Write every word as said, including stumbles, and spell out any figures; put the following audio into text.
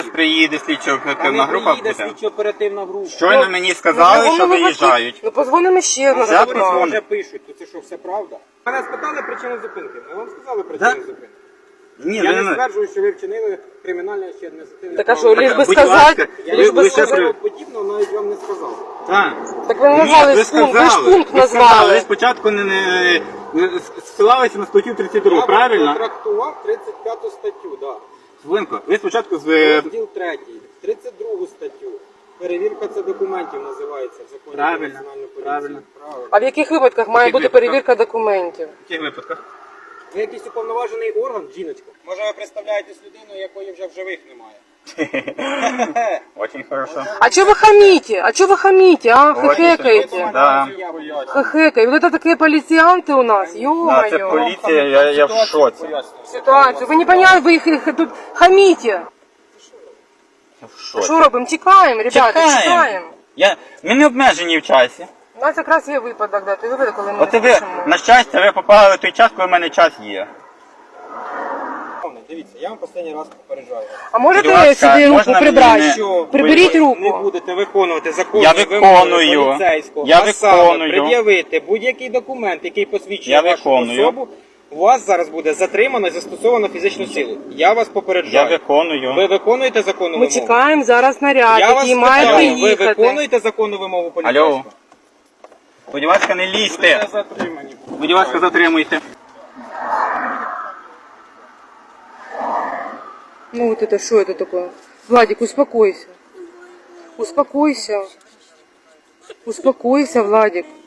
приїде слідчо-оперативна група буде. буде. слідчо-оперативна група. Щойно мені сказали, що виїжджають. Ну позвонимо ще раз. Я Вони позвоню. вже пишуть, то це що, все правда? Мене спитали причину зупинки. Ми вам сказали причину Да? зупинки. Ні, Я ви не не... стверджую, що ви вчинили кримінальне чи адміністративне Так а що, правопорушення. лиш би Будь ласка, сказати, Я лиш ви- би ви ще сказати. при- подібного навіть вам не сказав. Так. Так ви не Ні, назвали ви ж пункт, ви ж сказали. пункт Ви сказали, ви назвали. спочатку не, не, не ссилалися на статтю тридцять два, Я правильно? трактував тридцять п'яту статтю, да. Хвилинку, ви спочатку з... е, Розділ третій, тридцять другу статтю. Перевірка це документів називається в законі Правильно, про національну поліцію. правильно. Правильно. А в яких випадках має яких бути випадках? перевірка документів? В яких випадках? Ви якийсь уповноважений орган, жіночко? Може ви представляєтесь людиною, якої вже в живих немає? Очень хорошо. А чого ви хамите? А чого ви хамите, а? Ой, Хехекаете. Да. Хехекаете. Вот это такие полицианты у нас, Да, це ё-моё. поліція, я, я в шоці. Ситуацию. Вы не поняли, вы их, их тут хамите. Я в шоці. Що робимо? Тікаємо, ребята, тікаємо. Я... Ми не обмежені в часі. У нас якраз є випадок, да, той випадок, коли ми От не ви, хочемо. на щастя, ви попали в той час, коли в мене час є. Дивіться, я вам останній раз попереджаю. А можете Будь ласка, сюди руку можна прибрати? мені Що Приберіть ви руку. не будете виконувати законні Я вимоги виконую. поліцейського, Я а саме виконую. пред'явити будь-який документ, який посвідчує Я вашу виконую. особу, у вас зараз буде затримано і застосовано фізичну силу. Я вас Я попереджаю. виконую. Ви виконуєте законну Ми вимогу? чекаємо зараз наряд, Я вас який має питаю, ви приїхати. виконуєте законну вимогу поліцейського? Алло. Будь ласка, не Ви лізьте. затримані. Будь ласка, затримуйте. Ну вот это что это такое? Владик, успокойся. Успокойся. Успокойся, Владик.